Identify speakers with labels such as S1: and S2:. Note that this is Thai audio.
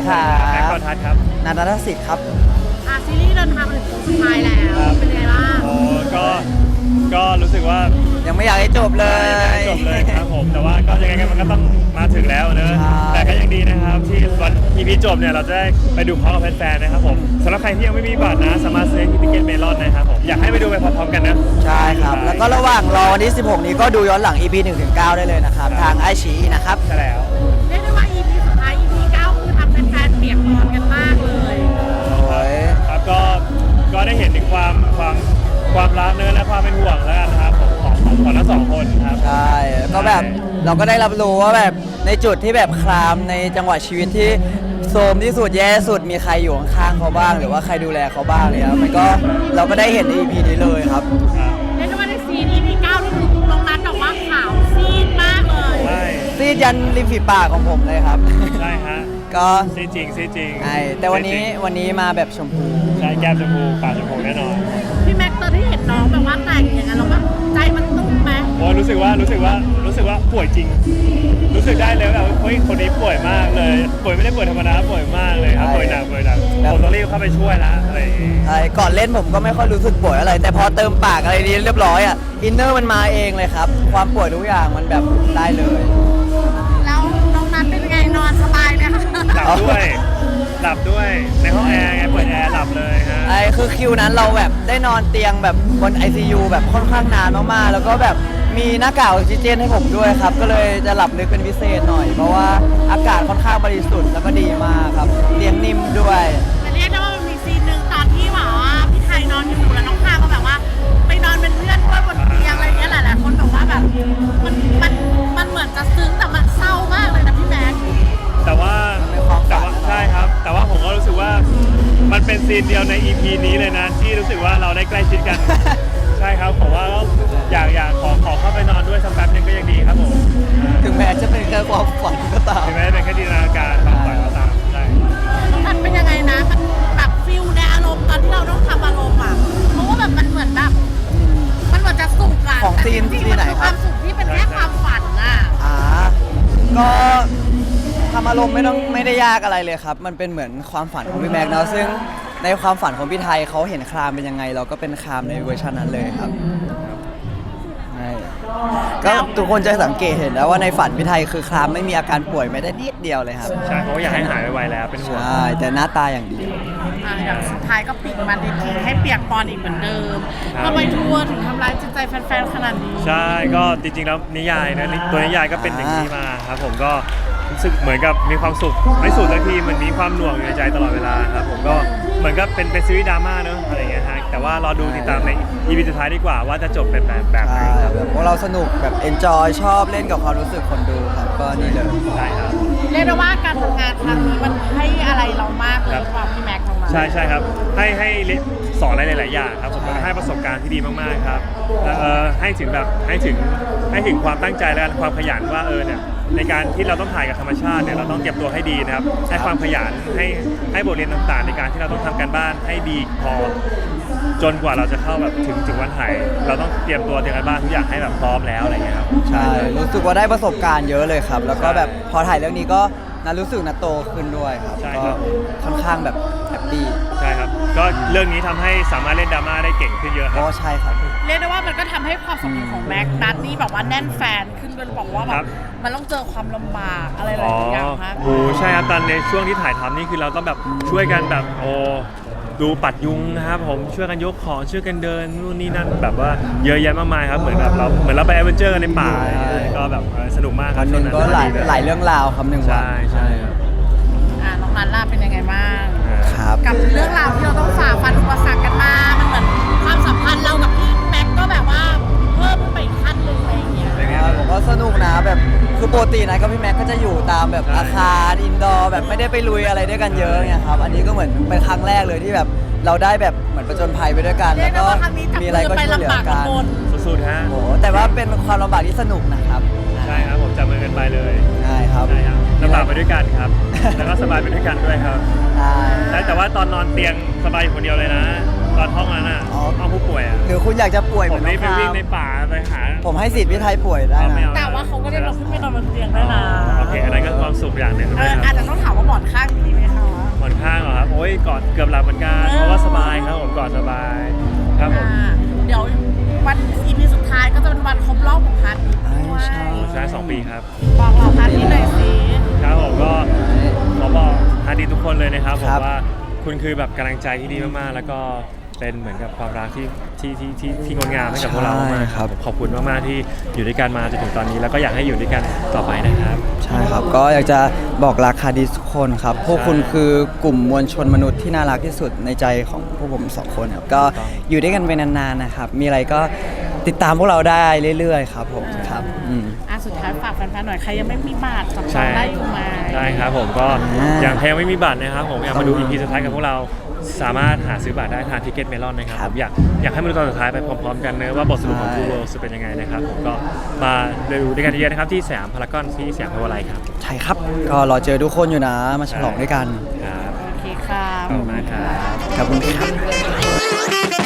S1: ครับ
S2: แม็กซ์กอทัศน์ครับ
S1: นันทสิทธิ์ครับ
S3: ซีรีส์เดินทางมาถึงโค้งสุดท้ายแล้วเป็นไงบ้าง
S2: โอ้ก็รู้สึกว่า
S1: ยังไม่อยากให้จบเลย
S2: จบเลยครับผมแต่ว่าก็ยังไงกันมันก็ต้องมาถึงแล้วเนอะแต่ก็ยังดีนะครับที่วัน EP จบเนี่ยเราจะได้ไปดูพร้อมกับแฟนๆนะครับผมสำหรับใครที่ยังไม่มีบัตรนะสามารถซื้อที่ทิเก็ตเมลอนนะครับผมอยากให้ไปดูไปพร้อมๆกันนะ
S1: ใช่ครับแล้วก็ระหว่างรอวันที่16นี้ก็ดูย้อนหลัง EP 1-9ได้เลยนะครับทางไอชีนะครับ
S2: ใช่แล้ว
S3: เรียกได้ว่า EP สุดท้าย EP 9คือทำแฟนๆเปียกปอนกันมากเลย
S1: โอ้ย
S2: ครับก็ได้เห็นถึงความรักเนื้อและความเป็นห่วงแล้วกันนะครับของทั้งสองคนครับ
S1: ใช่ก็แบบเราก็ได้รับรู้ว่าแบบในจุดที่แบบครามในจังหวะชีวิตที่โทรมที่สุดแย่สุดมีใครอยู่ข้างๆเขาบ้างหรือว่าใครดูแลเขาบ้างเลยครับมันก็เราก็ได้เห็นใน EP นี้เลยครับ
S3: เรียกได้ว่าในซีน EP 9นี่คือน้องนัทบอกว่าขาวซีดมากเลย
S1: ซีดยันริมฝีปากของผมเลยครับ
S2: ใช่ฮะ
S1: ก็
S2: ซีจริง
S1: ใช่แต่วันนี้มาแบบชมพู
S2: ใช่แก้มชมพูปากชมพูแน่นอน
S3: พี่แม็กซ์ตอนที่เห็นน้องแบบว่าแต่งอย่างนั้นเราแบบใจมันตุ้มไหม
S2: โอ้รู้สึกว่าป่วยจริงรู้สึกได้เลยว่าเฮ้ยคนนี้ป่วยมากเลยป่วยไม่ได้ป่วยธรรมดาป่วยมากเลยครับป่วยหนักผมต้องรีบเข้าไปช่วยละอะไร
S1: ใช่ก่อนเล่นผมก็ไม่ค่อยรู้สึกป่วยอะไรแต่พอเติมปากอะไรนี้เรียบร้อยอ่ะอินเนอร์มันมาเองเลยครับความป่วยทุกอย่างมันแบบได้เลย
S3: แล้วน้องนัทเป็นไงนอนสบายไหมคะ
S2: หลับด้วยในห้องแอร์ไงเปิดแอร์หลับเลยฮะ
S1: ไอ้คือคิวนั้นเราแบบได้นอนเตียงแบบบน ICU แบบค่อนข้างนานมากๆแล้วก็แบบมีหน้ากากออกซิเจนให้ผมด้วยครับก็เลยจะหลับลึกเป็นพิเศษหน่อยเพราะว่าอากาศค่อนข้างบริสุทธิ์แล้วก็ดีมากครับเตียงนิ่มด้วย
S3: แต่เรียกได้ว่ามันมีซีนหนึ่งตอนที่แบบว่าพี่ไทยนอนอยู่แล้วน้องพาก็แบบว่าไปนอนเป็นเพื่อนด้วยบนเตียงอะไรเงี้ยหลายๆคนแบบว่าแบบมันเหมือนจะซึ้งแต่มันเศร้ามากเลยนะพี่แม็ก
S2: แต่ว่าใช่ครับแต่ว่าผมก็รู้สึกว่ามันเป็นซีนเดียวใน EP นี้เลยนะที่รู้สึกว่าเราได้ใกล้ชิดกันใช่ครับผมว่าอยากขอเข้าไปนอนด้วยสักแป๊บนึงก็ยังดีครับผม
S1: ถึงแม้จะเป็นแค่ความฝันก็ตาม
S2: ถึงแม้เป็นแค่จินตนาการความฝันก็ตามใช่
S3: มันเป็นยังไงนะมันแบบฟิลในอารมณ์ตอนที่เราต้องทำอารมณ์อ่ะเพราะว่าแบบมันเหมือนแบบมันเหมือนจะสุขอะ
S1: ของซีนไหนครับ
S3: ความสุขที่เป็นแค่ความฝันอ่ะ
S1: ก็ทำอารมณ์ไม่ได้ยากอะไรเลยครับมันเป็นเหมือนความฝันของพี่แม็กซ์เนาะซึ่งในความฝันของพี่ไทยเขาเห็นครามเป็นยังไงเราก็เป็นครามในเวอร์ชันนั้นเลยครับก็ทุกคนจะสังเกตเห็นแล้วว่าในฝันพี่ไทยคือครามไม่มีอาการป่วยไม่ได้นิดเดียวเลยครับ
S2: ใช่เพราะอยากให้หายไวๆแล้วเป็นห่วง
S1: ใช่แต่หน้าตาอย่างเดียว
S3: อย่างสุดท้ายก็ปิดมาดีทีให้เปียกปอนอีกเหมือนเดิมทำไมทัวร์ถึงทำร้ายจิตใจแฟนๆขนาดนี้
S2: ใช่ก็จริงๆแล้วนิยายนะตัวนิยายก็เป็นอย่างนี้มาครับผมก็รู้สึกเหมือนกับมีความสุขไม่สุดสักทีเหมือนมีความหน่วงอยู่ในใจตลอดเวลาครับผมก็เหมือนกับเป็นซีรีส์ดราม่าเนอะอะไรอย่างเงี้ยฮะแต่ว่ารอดูติดตามใน EP สุดท้ายดีกว่าว่าจะจบเป็นแบบไหนครับ
S1: พวกเราสนุกแบบ enjoy ชอบเล่นกับความรู้สึกคนดูครับก็นี่เลย
S2: ใช่ครับ
S3: เรียกได้ว่าการทำงานครั้งนี้มันให้อะไรเรามากเลยความพี่แม็กซ์ของเรา
S2: ใช่ครับให้สอนอะไรหลายๆอย่างครับผมก็ให้ประสบการณ์ที่ดีมากๆครับให้ถึงความตั้งใจและความขยันว่าเนี่ยในการที่เราต้องถ่ายกับธรรมชาติเนี่ยเราต้องเตรียมตัวให้ดีนะครับให้ความขยันให้บทเรียนต่างๆในการที่เราต้องทำการบ้านให้ดีพอจนกว่าเราจะเข้าแบบถึงวันถ่ายเราต้องเตรียมตัวเตรียมการบ้านทุกอย่างให้แบบพร้อมแล้วอะไรเงี้ยครับ
S1: ใช่รู้สึกว่าได้ประสบการณ์เยอะเลยครับแล้วก็แบบพอถ่ายเรื่องนี้ก็รู้สึกโตขึ้นด้วยครับก็ค่อนข้างแบบแฮปปี้
S2: ใช่ครับก็เรื่องนี้ทำให้สามารถเล่นดราม่าได้เก่งขึ้นเยอะครับ
S1: ใช่ครับ
S3: เรียกได้ว่ามันก็ทำให้ความสัมพันธ์ของแม็กนัทนี่แบบว่าแน่นแฟนขึ้นจนบอกว่าแบบมันต้องเจอความลำบากอะไรหลายอย่างครับ
S2: โอ้ใช่ครับตอนในช่วงที่ถ่ายทำนี่คือเราต้องแบบช่วยกันแบบดูปัดยุงนะครับผมช่วยกันยกของช่วยกันเดินนู่นนี่นั่นแบบว่าเยอะแยะมากมายครับเหมือนแบบเราไปแอดเวนเจอร์กันในป่าก็แบบสนุกมากครับ
S1: วันนึงก็หลายเรื่องราวครับหนึ่งวัน
S2: ใช่ครับ
S3: น้องนัทล่ะเป็นยังไงบ้าง
S1: ครับ
S3: กับเรื่องราวที่เราต้องฝ่าฟันอุปสรรคกันมามันเหมือนความสัมพันธ์เรากับพี่แม็กก็แบบว่าเพิ่มขึ้นไปอีกขั้นหนึ่งอะไรอย่างเงี้ย
S1: ผมก็สนุกนะแบบคือปกตินะกับพี่แม็กก็จะอยู่ตามแบบอาคารอินดอร์แบบไม่ได้ไปลุยอะไรด้วยกันเยอะไงครับอันนี้ก็เหมือนเป็นครั้งแรกเลยที่แบบเราได้แบบเหมือนประจนภัยไปด้วยกันแล้วก็มีอะไรก็ช่วยเหลือกัน
S2: สุดๆฮะ
S1: โอ้แต่ว่าเป็นความลำบากที่สนุกนะครับ
S2: ใช่ครับผมจับมือกันไปเลย
S1: ใช่ครับ
S2: ลำบากไปด้วยกันครับแล้วก็สบายไปด้วยกันด้วยครับใช่แต่ว่าตอนนอนเตียงสบายอยู่คนเดียวเลยนะตอนท่องนั้นน่ะ
S1: อ๋อ
S2: ท่องผู้ป่วยอ่ะ
S1: หรือคุณอยากจะป่วยเห
S2: ผ
S1: มือ
S2: ม
S1: นน้
S2: นี่
S1: อง
S2: ไป
S1: พา
S2: วิ่ง
S1: ม
S2: ในป่าไปหา
S1: ผมให้สิทธิ์พี่ไทยป่วยได้
S2: ไม่
S1: นะ
S2: เอา
S3: แต่ว่าเขาก็ได้เราขึ้นไปนอนบนเตียงได้นะ
S2: โอเคอันนั้นก็ความสุขอย่างหนึ่ง
S3: เออ
S2: นะค
S3: อา
S2: รับ
S3: จจะต้องถามว่าหมอนข้างดีไหมคะ
S2: หมอนข้างเหรอครับโอ้ยกอดเกือบหลับเหมือนกันเพราะว่าสบายครับผมกอดสบายครับผม
S3: เดี๋ยววัน EP สุดท้ายก็จะเป็นวันครบรอบของพันธุ์ด้วย
S1: ใช่
S2: ใช่2 ปีครับ
S3: บอกเราพันธุ์นี้หน่อยสิ
S2: ครับผมก็ขอบอกฮาร์ดีทุกคนเลยนะครับผม
S1: ครับ
S2: ว่าคุณคือแบบกำลังใจที่ดีมากๆ แล้วก็เป็นเหมือนกับความรักที่งดงามให้กับพวกเรามากๆครับขอบคุณมากๆที่อยู่ด้วยกันมาจนถึงตอนนี้ แล้วก็อยากให้อยู่ด้วยกันต่อไปนะครับ
S1: ใช่ครับ ก็อยากจะบอกรักคาดิสทุกคนครับ พวกคุณคือกลุ่มมวลชนมนุษย์ที่น่ารักที่สุดในใจของพวกผมสองคนครับ ก็อยู่ด้วยกันไปนานๆนะครับ มีอะไรก็ติดตามพวกเราได้เรื่อยๆครับผมครับ
S3: สุดท้ายฝากแฟนๆหน่อยใครยังไม่มีบัตรจับจ
S2: ใช่
S3: องได้อยู่ไหม
S2: ได้ครับผมก็อย่างแพงไม่มีบัตรนะครับผมอยากมาดู EP สุดท้ายกับพวกเราสามารถหาซื้อบัตรได้ทางทิเก็ตเมลอนนะครับผมอยากให้มาดูตอนสุดท้ายไปพร้อมๆกันเนอะว่าบทสรุปของ Two Worlds จะเป็นยังไงนะครับผมก็มาดูด้วยกันเยอะๆนะครับที่สยามพารากอนที่สยามพาวเวอร์ไลท์ครับ
S1: ใช่ครับ ก็รอเจอทุกคนอยู่นะ มาฉลองด้วยกัน
S2: ครับ
S3: โอเคค่ะ
S2: ขอบคุณมากครับ
S1: ขอบคุณครับ